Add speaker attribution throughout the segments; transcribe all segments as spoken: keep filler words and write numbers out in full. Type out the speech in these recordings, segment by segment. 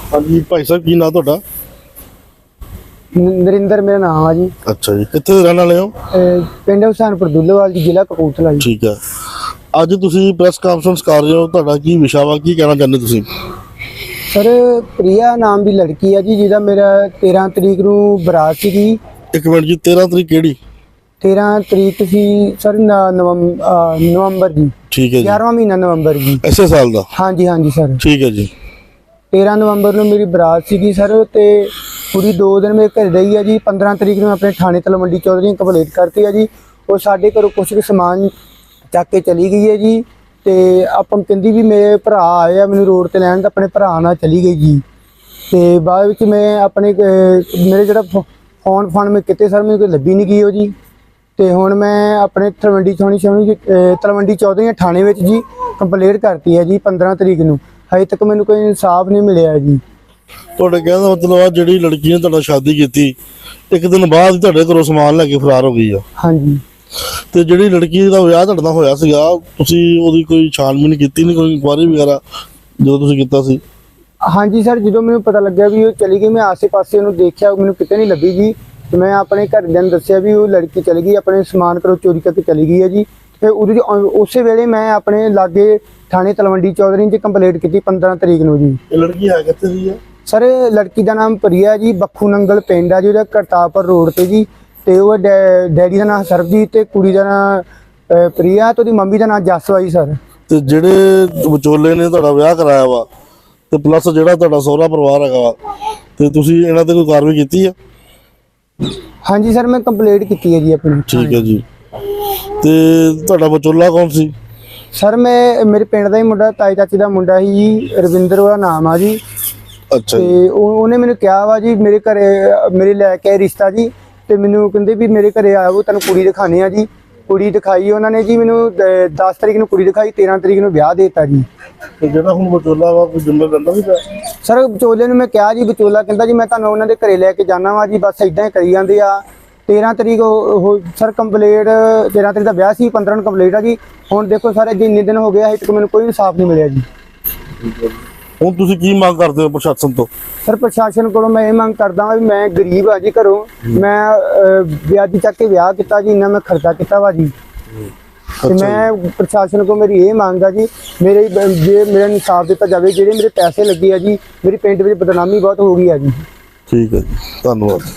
Speaker 1: हाँ जी भाई साहब की नाम तुहाडा?
Speaker 2: नरिंदर मेरा नाम है जी।
Speaker 1: अच्छा जी, कित्थे रहने वाले हो?
Speaker 2: पिंड हुसैनपुर दुल्लेवाल जी, जिला कपूरथला जी।
Speaker 1: ठीक है, अज तुसी प्रेस कॉन्फ्रेंस कर रहे हो, तुहाडा की विशा वा, की कहना चाहते तुसी?
Speaker 2: सर प्रिया नाम की लड़की है जी, जिहदा मेरा तेरह तरीक नूं बरात सीगी।
Speaker 1: एक मिनट जी, तेरह तरीक केड़ी?
Speaker 2: तेरह तरीक सी सर नवंबर नवंबर जी।
Speaker 1: ठीक है जी,
Speaker 2: ग्यारहवां महीना नवंबर जी,
Speaker 1: इसे साल दा?
Speaker 2: हाँ जी हाँ जी सर।
Speaker 1: ठीक है जी।
Speaker 2: तेरह नवंबर नूं मेरी बरात सीगी सर, ते पूरी दो दिन मेरे घर रही है जी। पंद्रह तरीक नूं अपने थाने तलवंडी चौधरी कंप्लेंट करती है जी। और साढ़े घरों कुछ भी समान चक के चली गई है जी। ते अपन कहती भी मेरे भरा आए आ मैनू रोड ते लैन, अपने भरा नाल चली गई जी। ते बाद विच मैं अपने मेरे जिहड़ा फोन फान में किते सर मैनू कोई लभी नहीं गई हो जी। ते हुण मैं अपने तलवंडी चौनी चौनी तलवंडी चौधरी थाने विच जी कंप्लेंट करती है जी पंद्रह तरीक नूं। हजे तक मैनू कोई इंसाफ नहीं मिलिया जी।
Speaker 1: ਤੁਹਾਡੇ ਕਹਿਣ ਦਾ ਮਤਲਬ ਆ ਜਿਹੜੀ ਲੜਕੀ ਨੇ ਤੁਹਾਡਾ ਸ਼ਾਦੀ ਕੀਤੀ ਇੱਕ ਦਿਨ ਬਾਅਦ ਤੁਹਾਡੇ ਘਰੋਂ ਸਮਾਨ ਲੈ ਕੇ ਫਰਾਰ ਹੋ ਗਈ ਆ?
Speaker 2: ਹਾਂਜੀ।
Speaker 1: ਤੇ ਜਿਹੜੀ ਲੜਕੀ ਦਾ ਵਿਆਹ ਤੁਹਾਡੇ ਨਾਲ ਹੋਇਆ ਸੀਗਾ, ਤੁਸੀਂ ਉਹਦੀ ਕੋਈ ਛਾਣਬੀਣ ਕੀਤੀ ਨਹੀਂ, ਕੋਈ ਇਨਕੁਆਇਰੀ ਵਗੈਰਾ ਜਦੋਂ ਤੁਸੀਂ ਕੀਤਾ ਸੀ?
Speaker 2: ਹਾਂਜੀ ਸਰ, ਜਦੋਂ ਮੈਨੂੰ ਪਤਾ ਲੱਗਿਆ ਵੀ ਉਹ ਚਲੀ ਗਈ, ਮੈਂ ਆਸੇ ਪਾਸੇ ਉਹਨੂੰ ਦੇਖਿਆ, ਮੈਨੂੰ ਕਿਤੇ ਨਹੀਂ ਲੱਭੀ ਜੀ। ਤੇ ਮੈਂ ਆਪਣੇ ਘਰਦਿਆਂ ਨੂੰ ਦੱਸਿਆ ਵੀ ਉਹ ਲੜਕੀ ਚਲੀ ਗਈ, ਆਪਣੇ ਸਮਾਨ ਘਰੋਂ ਚੋਰੀ ਕਰਕੇ ਚਲੀ ਗਈ ਹੈ ਜੀ। ਤੇ ਉਹਦੇ ਉਸੇ ਵੇਲੇ ਮੈਂ ਆਪਣੇ ਲਾਗੇ ਥਾਣੇ ਤਲਵੰਡੀ ਚੌਧਰੀ 'ਚ ਕੰਪਲੇਂਟ ਕੀਤੀ ਪੰद्रह ਤਰੀਕ ਨੂੰ ਜੀ।
Speaker 1: ਇਹ ਲੜਕੀ ਹੈ ਕਿੱਥੇ ਦੀ ਆ
Speaker 2: ਸਰ? ਲੜਕੀ ਦਾ ਨਾਮ ਪ੍ਰਿਆ ਜੀ, ਬੱਖੂ ਨੰਗਲ ਪਿੰਡ ਆ ਜੀ, ਉਹਦਾ ਕਰਤਾਰਪੁਰ ਰੋਡ ਤੇ ਜੀ। ਤੇ ਉਹ ਡੈਡੀ ਦਾ ਨਾਮ ਸਰਬਜੀਤ ਤੇ ਕੁੜੀ ਦਾ ਨਾਮ ਪ੍ਰਿਆ ਤੇ ਉਹਦੀ ਮੰਮੀ ਦਾ ਨਾਮ ਜਸਵਾ ਜੀ ਸਰ।
Speaker 1: ਤੇ ਜਿਹੜੇ ਵਿਚੋਲੇ ਨੇ ਤੁਹਾਡਾ ਵਿਆਹ ਕਰਾਇਆ ਵਾ ਤੇ ਪਲੱਸ ਜਿਹੜਾ ਤੁਹਾਡਾ ਸਹੁਰਾ ਪਰਿਵਾਰ ਹੈਗਾ ਵਾ, ਤੇ ਤੁਸੀਂ ਇਹਨਾਂ ਤੇ ਕੋਈ ਕਾਰਵਾਈ ਕੀਤੀ ਆ?
Speaker 2: ਹਾਂਜੀ ਸਰ, ਮੈਂ ਕੰਪਲੇਂਟ ਕੀਤੀ ਹੈ ਜੀ ਆਪਣੀ।
Speaker 1: ਠੀਕ ਹੈ ਜੀ। ਤੇ ਤੁਹਾਡਾ ਵਿਚੋਲਾ ਕੌਣ ਸੀ?
Speaker 2: ਸਰ ਮੈਂ ਮੇਰੇ ਪਿੰਡ ਦਾ ਹੀ ਮੁੰਡਾ, ਤਾਈ ਚਾਚੀ ਦਾ ਮੁੰਡਾ ਸੀ ਜੀ, ਰਵਿੰਦਰ ਉਹਦਾ ਨਾਮ ਆ ਜੀ।
Speaker 1: ਅੱਛਾ
Speaker 2: ਤੇ
Speaker 1: ਜੀ।
Speaker 2: ਉਹਨੇ ਮੈਨੂੰ ਕਿਹਾ ਵਾ ਜੀ ਮੇਰੇ ਘਰੇ ਮੇਰੇ ਲੈ ਕੇ ਆਏ ਰਿਸ਼ਤਾ ਜੀ। ਤੇ ਮੈਨੂੰ ਕਹਿੰਦੇ ਵੀ ਮੇਰੇ ਘਰੇ ਆਓ, ਤੈਨੂੰ ਕੁੜੀ ਦਿਖਾਣੇ ਆ ਜੀ। ਕੁੜੀ ਦਿਖਾਈ ਉਹਨਾਂ ਨੇ ਜੀ ਮੈਨੂੰ, ਦਸ ਤਰੀਕ ਨੂੰ ਕੁੜੀ ਦਿਖਾਈ, ਤੇਰ੍ਹਾਂ ਤਰੀਕ ਨੂੰ ਵਿਆਹ ਦੇਤਾ ਜੀ।
Speaker 1: ਤੇ ਜਿਹੜਾ ਹੁਣ ਵਿਚੋਲਾ ਵਾ ਕੋਈ ਜ਼ਿੰਮੇਵਾਰ ਰਹਿੰਦਾ ਵੀ ਪਿਆ?
Speaker 2: ਸਰ ਵਿਚੋਲੇ ਨੂੰ ਮੈਂ ਕਿਹਾ ਜੀ, ਵਿਚੋਲਾ ਕਹਿੰਦਾ ਜੀ ਮੈਂ ਤੁਹਾਨੂੰ ਉਹਨਾਂ ਦੇ ਘਰੇ ਲੈ ਕੇ ਜਾਣਾ ਵਾ ਜੀ, ਬਸ ਇਦਾਂ ਹੀ ਕਰੀ ਜਾਂਦੇ ਆ। तेरह तरीक सर कंप्लेट, तेरह तरीक का ब्याह सी, पंद्रह कंप्लेट आ जी। हुण देखो सारे जी इन्ने दिन हो गए, अजे तक मैंने कोई इंसाफ नहीं मिलिया जी।
Speaker 1: हुण तुसीं की मांग करदे हो प्रशासन तो? सर
Speaker 2: प्रशासन को मैं ये मांग करदा भी, मैं गरीब आ जी घरों, मैं ब्याजी चक के ब्याह किया जी, इन्ना मैं खर्चा किया वा जी। तो मैं प्रशासन को मेरी ये मांग है जी, मेरे जे मेरा इंसाफ दिता जाए, जेडे मेरे पैसे लगे है जी, मेरी पिंड में बदनामी बहुत हो गई है जी।
Speaker 1: ठीक है जी, धन्यवाद।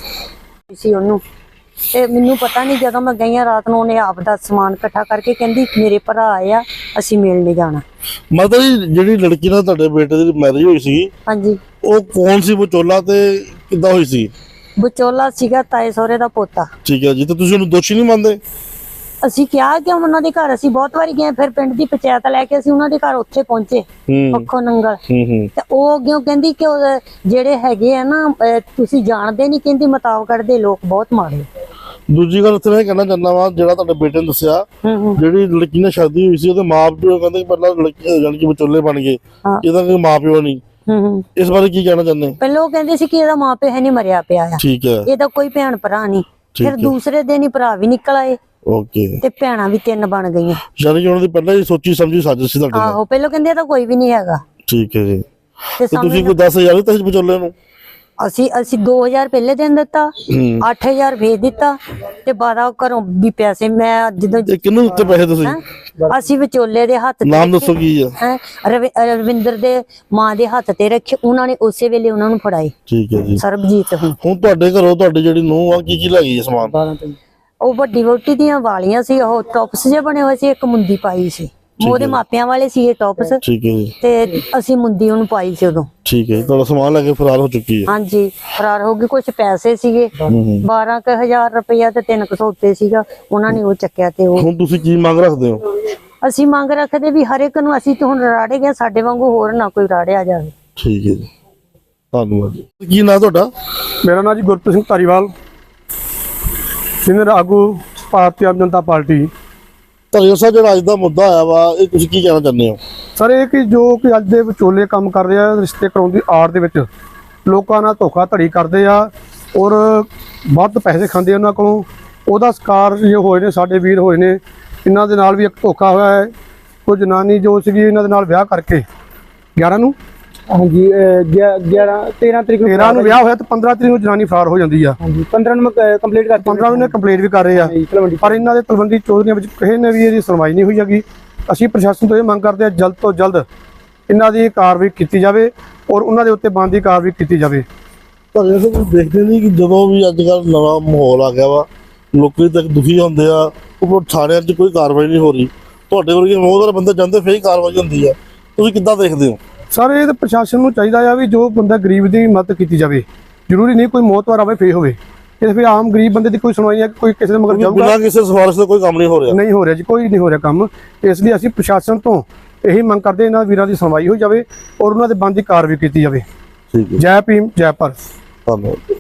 Speaker 3: ਸੀ ਉਹਨੂੰ ਤੇ ਮੈਨੂੰ ਪਤਾ ਨਹੀਂ, ਜਦੋਂ ਮੈਂ ਗਈ ਰਾਤ ਨੂੰ ਉਹਨੇ ਆਪ ਦਾ ਸਮਾਨ ਇਕੱਠਾ ਕਰਕੇ ਕਹਿੰਦੀ ਮੇਰੇ ਭਰਾ ਆਏ ਆ, ਅਸੀਂ ਮਿਲਣ ਜਾਣਾ।
Speaker 1: ਮਤਲਬ ਜਿਹੜੀ ਲੜਕੀ ਨਾਲ ਤੁਹਾਡੇ ਬੇਟੇ ਦੀ ਮੈਰਿਜ ਹੋਈ ਸੀ,
Speaker 3: ਹਾਂਜੀ,
Speaker 1: ਉਹ ਕੌਣ ਸੀ ਵਿਚੋਲਾ ਤੇ ਕਿੱਦਾਂ ਹੋਈ ਸੀ?
Speaker 3: ਵਿਚੋਲਾ ਸੀਗਾ ਤਾਏ ਸਹੁਰੇ ਦਾ ਪੋਤਾ।
Speaker 1: ਠੀਕ ਹੈ ਜੀ। ਤੇ ਤੁਸੀਂ ਉਹਨੂੰ ਦੋਸ਼ੀ ਨਹੀਂ ਮੰਨਦੇ?
Speaker 3: ਅਸੀਂ ਕਿਹਾ ਕਿ ਉਹਨਾਂ ਦੇ ਘਰ ਅਸੀਂ ਬਹੁਤ ਵਾਰੀ ਗਏ, ਫਿਰ ਪਿੰਡ ਦੀ ਪੰਚਾਇਤ ਲੈ ਕੇ ਅਸੀਂ ਉਹਨਾਂ ਦੇ ਘਰ ਉੱਥੇ ਪਹੁੰਚੇ, ਪੱਖੋ ਨੰਗਲ। ਤੇ ਉਹ ਅੱਗੇ ਕਹਿੰਦੀ ਕਿ ਜਿਹੜੇ ਹੈਗੇ ਆ ਨਾ, ਤੁਸੀਂ ਜਾਣਦੇ ਨਹੀਂ, ਕਹਿੰਦੀ ਮਤਾਵਕੜ ਦੇ ਲੋਕ ਬਹੁਤ ਮਾੜੇ।
Speaker 1: ਦੂਜੀ ਗੱਲ ਉੱਥੇ ਮੈਂ ਕਹਿਣਾ ਚਾਹੁੰਦਾ ਵਾ, ਜਿਹੜਾ ਤੁਹਾਡੇ ਬੇਟੇ ਨੇ ਦੱਸਿਆ ਜਿਹੜੀ ਲੜਕੀ ਨਾਲ ਸ਼ਾਦੀ ਹੋਈ ਸੀ, ਉਹਦੇ ਮਾਂ ਪਿਓ ਕਹਿੰਦੇ ਪਹਿਲਾਂ ਲੜਕੀ ਜਾਨੀ ਕਿ ਵਿਚੋਲੇ ਬਣ ਗਏ, ਇਹਦਾ ਕੋਈ ਮਾਂ ਪਿਓ ਨਹੀਂ। ਇਸ ਬਾਰੇ ਕੀ ਕਹਿਣਾ ਚਾਹੁੰਦੇ?
Speaker 3: ਪਹਿਲਾਂ ਉਹ ਕਹਿੰਦੇ ਸੀ ਕਿ ਇਹਦਾ ਮਾਂ ਪਿਓ ਹੈ ਨਹੀਂ, ਮਰਿਆ ਪਿਆ ਆ।
Speaker 1: ਠੀਕ ਹੈ।
Speaker 3: ਇਹਦਾ ਕੋਈ ਭੈਣ ਭਰਾ ਨਹੀਂ। ਫਿਰ ਦੂਸਰੇ ਦਿਨ ਹੀ ਭਰਾ ਵੀ ਨਿਕਲ ਆਏ।
Speaker 1: ਓਕੇ।
Speaker 3: ਤੇ ਭੈਣਾਂ ਵੀ ਤਿੰਨ ਬਣ ਗਈਆਂ।
Speaker 1: ਯਾਨੀ ਕਿ ਉਹਨਾਂ ਦੀ ਪਹਿਲਾਂ ਹੀ ਸੋਚੀ ਸਮਝੀ ਸਾਜ਼ਿਸ਼ ਸੀ ਤੁਹਾਡੇ ਨਾਲ?
Speaker 3: ਆਹੋ, ਪਹਿਲਾਂ ਕਹਿੰਦੇ ਤਾਂ ਕੋਈ ਵੀ ਨਹੀਂ ਹੈਗਾ।
Speaker 1: ਠੀਕ ਹੈ ਜੀ।
Speaker 3: ਤੇ
Speaker 1: ਤੁਸੀਂ ਕੋਈ ਦਸ ਹਜ਼ਾਰ ਦਿੱਤਾ ਸੀ ਵਿਚੋਲੇ ਨੂੰ?
Speaker 3: ਅਸੀਂ ਅਸੀਂ ਦੋ ਹਜ਼ਾਰ ਪਹਿਲੇ ਦਿਨ ਦਿੱਤਾ, ਅੱਠ ਹਜ਼ਾਰ ਭੇਜ ਦਿੱਤਾ, ਤੇ ਬਾਰਾਂ ਘਰੋਂ ਵੀ ਪੈਸੇ ਮੈਂ ਜਦੋਂ।
Speaker 1: ਕਿਹਨੂੰ ਦਿੱਤੇ ਪੈਸੇ ਤੁਸੀਂ?
Speaker 3: ਅਸੀਂ ਵਿਚੋਲੇ ਦੇ ਹੱਥ।
Speaker 1: ਨਾਮ ਦੱਸੋ ਕੀ ਆ?
Speaker 3: ਰਵਿੰਦਰ ਦੇ ਮਾਂ ਦੇ ਹੱਥ ਤੇ ਰੱਖੇ, ਉਹਨਾਂ ਨੇ ਉਸੇ ਵੇਲੇ ਉਹਨਾਂ ਨੂੰ ਫੜਾਏ।
Speaker 1: ਠੀਕ ਹੈ ਜੀ।
Speaker 3: ਸਰਬਜੀਤ। ਹੁਣ
Speaker 1: ਹੁਣ ਤੁਹਾਡੇ ਘਰੋਂ ਤੁਹਾਡੀ ਜਿਹੜੀ ਨੂੰਹ ਆ, ਕੀ ਕੀ ਲੈ ਗਈ ਸਮਾਨ?
Speaker 3: ਉਹ ਵੱਡੀ ਵੋਟੀ ਦੀਆਂ ਵਾਲੀਆਂ ਸੀ, ਉਹ ਟੌਪਸ ਜੇ ਬਣੇ ਹੋਏ ਸੀ, ਇੱਕ ਮੁੰਦੀ ਪਾਈ ਸੀ, ਉਹਦੇ ਮਾਪਿਆਂ ਵਾਲੇ ਸੀ ਇਹ ਟੌਪਸ।
Speaker 1: ਠੀਕ ਹੈ ਜੀ।
Speaker 3: ਤੇ ਅਸੀਂ ਮੁੰਦੀ ਉਹਨੂੰ ਪਾਈ ਸੀ ਉਦੋਂ।
Speaker 1: ਠੀਕ ਹੈ। ਤੁਹਾਡਾ ਸਮਾਨ ਲੈ ਕੇ ਫਰਾਰ ਹੋ ਚੁੱਕੀ ਹੈ?
Speaker 3: ਹਾਂਜੀ, ਫਰਾਰ ਹੋ ਗਈ। ਕੁਝ ਪੈਸੇ ਸੀਗੇ, ਬਾਰਾਂ ਕੁ ਹਜ਼ਾਰ ਰੁਪਇਆ ਤੇ ਤਿੰਨ ਕੁ ਸੌ ਉੱਤੇ ਸੀਗਾ, ਉਹਨਾਂ ਨੇ ਉਹ ਚੱਕਿਆ। ਤੇ ਉਹ
Speaker 1: ਹੁਣ ਤੁਸੀਂ ਕੀ ਮੰਗ ਰੱਖਦੇ ਹੋ?
Speaker 3: ਅਸੀਂ ਮੰਗ ਰੱਖਦੇ ਵੀ ਹਰ ਇੱਕ ਨੂੰ, ਅਸੀਂ ਤਾਂ ਹੁਣ ਰਾੜੇ ਗਏ, ਸਾਡੇ ਵਾਂਗੂ ਹੋਰ ਨਾ ਕੋਈ ਰਾੜਿਆ ਜਾਵੇ।
Speaker 1: ਠੀਕ ਹੈ ਜੀ, ਧੰਨਵਾਦ ਜੀ। ਕੀ ਨਾਂ ਤੁਹਾਡਾ?
Speaker 4: ਮੇਰਾ ਨਾਂ ਜੀ ਗੁਰਪ੍ਰੀਤ ਸਿੰਘ ਧਾਰੀਵਾਲ, ਸੀਨੀਅਰ ਆਗੂ ਭਾਰਤੀ ਆਮ ਜਨਤਾ ਪਾਰਟੀ।
Speaker 1: ਧਾਰੀਵਾਲ ਸਾਹਿਬ, ਜਿਹੜਾ ਅੱਜ ਦਾ ਮੁੱਦਾ ਆਇਆ ਵਾ, ਇਹ ਤੁਸੀਂ ਕੀ ਕਹਿਣਾ ਚਾਹੁੰਦੇ ਹੋ?
Speaker 4: ਸਰ ਇਹ ਕਿ ਜੋ ਕਿ ਅੱਜ ਦੇ ਵਿਚੋਲੇ ਕੰਮ ਕਰ ਰਹੇ ਆ, ਰਿਸ਼ਤੇ ਕਰਾਉਣ ਦੀ ਆੜ ਦੇ ਵਿੱਚ ਲੋਕਾਂ ਨਾਲ ਧੋਖਾਧੜੀ ਕਰਦੇ ਆ ਔਰ ਵੱਧ ਪੈਸੇ ਖਾਂਦੇ ਉਹਨਾਂ ਕੋਲੋਂ, ਉਹਦਾ ਸ਼ਿਕਾਰ ਜੇ ਹੋਏ ਨੇ ਸਾਡੇ ਵੀਰ ਹੋਏ ਨੇ। ਇਹਨਾਂ ਦੇ ਨਾਲ ਵੀ ਇੱਕ ਧੋਖਾ ਹੋਇਆ ਹੈ। ਕੋਈ ਜਨਾਨੀ ਜੋ ਸੀਗੀ ਇਹਨਾਂ ਦੇ ਨਾਲ ਵਿਆਹ ਕਰਕੇ ਗਿਆਰਾਂ ਨੂੰ
Speaker 2: ਹਾਂਜੀ ਗਿਆਰਾਂ ਤੇਰਾਂ ਤਰੀਕ ਨੂੰ
Speaker 4: ਤੇਰਾਂ ਨੂੰ ਵਿਆਹ ਹੋਇਆ ਤੇ ਪੰਦਰਾਂ ਤਰੀਕ ਨੂੰ ਜਨਾਨੀ ਫਰਾਰ ਹੋ ਜਾਂਦੀ ਆ।
Speaker 2: ਹਾਂਜੀ ਪੰਦਰਾਂ ਨੂੰ ਮੈਂ ਕੰਪਲੀਟ ਕਰ
Speaker 4: ਪੰਦਰਾਂ ਨੂੰ ਕੰਪਲੀਟ ਵੀ ਕਰ ਰਹੇ ਆ, ਪਰ ਇਹਨਾਂ ਦੇ ਤਲਵੰਡੀ ਚੌਧਰੀਆਂ ਵਿੱਚ ਕਿਸੇ ਨੇ ਵੀ ਇਹਦੀ ਸੁਣਵਾਈ ਨਹੀਂ ਹੋਈ ਹੈਗੀ। ਅਸੀਂ ਪ੍ਰਸ਼ਾਸਨ ਤੋਂ ਇਹ ਮੰਗ ਕਰਦੇ ਹਾਂ ਜਲਦ ਤੋਂ ਜਲਦ ਇਹਨਾਂ ਦੀ ਕਾਰਵਾਈ ਕੀਤੀ ਜਾਵੇ ਔਰ ਉਹਨਾਂ ਦੇ ਉੱਤੇ ਬਣਦੀ ਕਾਰਵਾਈ ਕੀਤੀ ਜਾਵੇ।
Speaker 1: ਪਰ ਇਹ ਸਭ ਦੇਖਦੇ ਨਹੀਂ ਕਿ ਜਦੋਂ ਵੀ ਅੱਜ ਕੱਲ੍ਹ ਨਵਾਂ ਮਾਹੌਲ ਆ ਗਿਆ ਵਾ, ਲੋਕੀ ਤੱਕ ਦੁਖੀ ਹੁੰਦੇ ਆ, ਉਹ ਥਾਣਿਆਂ 'ਚ ਕੋਈ ਕਾਰਵਾਈ ਨਹੀਂ ਹੋ ਰਹੀ। ਤੁਹਾਡੇ ਵਰਗੇ ਬਹੁਤ ਬੰਦੇ ਜਾਂਦੇ ਫੇਰ ਹੀ ਕਾਰਵਾਈ ਹੁੰਦੀ ਆ, ਤੁਸੀਂ ਕਿੱਦਾਂ ਦੇਖਦੇ ਹੋ?
Speaker 4: ਸਰ ਇਹ ਤਾਂ ਪ੍ਰਸ਼ਾਸਨ ਨੂੰ ਚਾਹੀਦਾ ਆ ਵੀ ਜੋ ਬੰਦਾ ਗਰੀਬ ਦੀ ਮਦਦ ਕੀਤੀ ਜਾਵੇ, ਜ਼ਰੂਰੀ ਨਹੀਂ ਕੋਈ ਮੌਤਵਾਰ ਆਵੇ ਫੇਰ ਹੋਵੇ। ਇਹ ਫਿਰ ਆਮ ਗਰੀਬ ਬੰਦੇ ਦੀ ਕੋਈ ਸੁਣਵਾਈ ਹੈ, ਕੋਈ ਕਿਸੇ ਦੇ ਮਗਰ ਜਾਊਗਾ
Speaker 1: ਬਿਨਾਂ ਕਿਸੇ ਸਿਫਾਰਿਸ਼ ਦਾ ਕੋਈ ਕੰਮ ਨਹੀਂ ਹੋ ਰਿਹਾ
Speaker 4: ਨਹੀਂ ਹੋ ਰਿਹਾ ਜੀ, ਕੋਈ ਨਹੀਂ ਹੋ ਰਿਹਾ ਕੰਮ। ਇਸ ਲਈ ਅਸੀਂ ਪ੍ਰਸ਼ਾਸਨ ਤੋਂ ਇਹੀ ਮੰਗ ਕਰਦੇ ਇਹਨਾਂ ਵੀਰਾਂ ਦੀ ਸੁਣਵਾਈ ਹੋ ਜਾਵੇ ਔਰ ਉਹਨਾਂ ਦੇ ਬੰਦ ਦੀ ਕਾਰਵਾਈ ਕੀਤੀ ਜਾਵੇ।
Speaker 1: ਠੀਕ ਹੈ,
Speaker 4: ਜੈ ਭੀਮ ਜੈ ਭਾਰਤ।
Speaker 1: ਧੰਨਵਾਦ।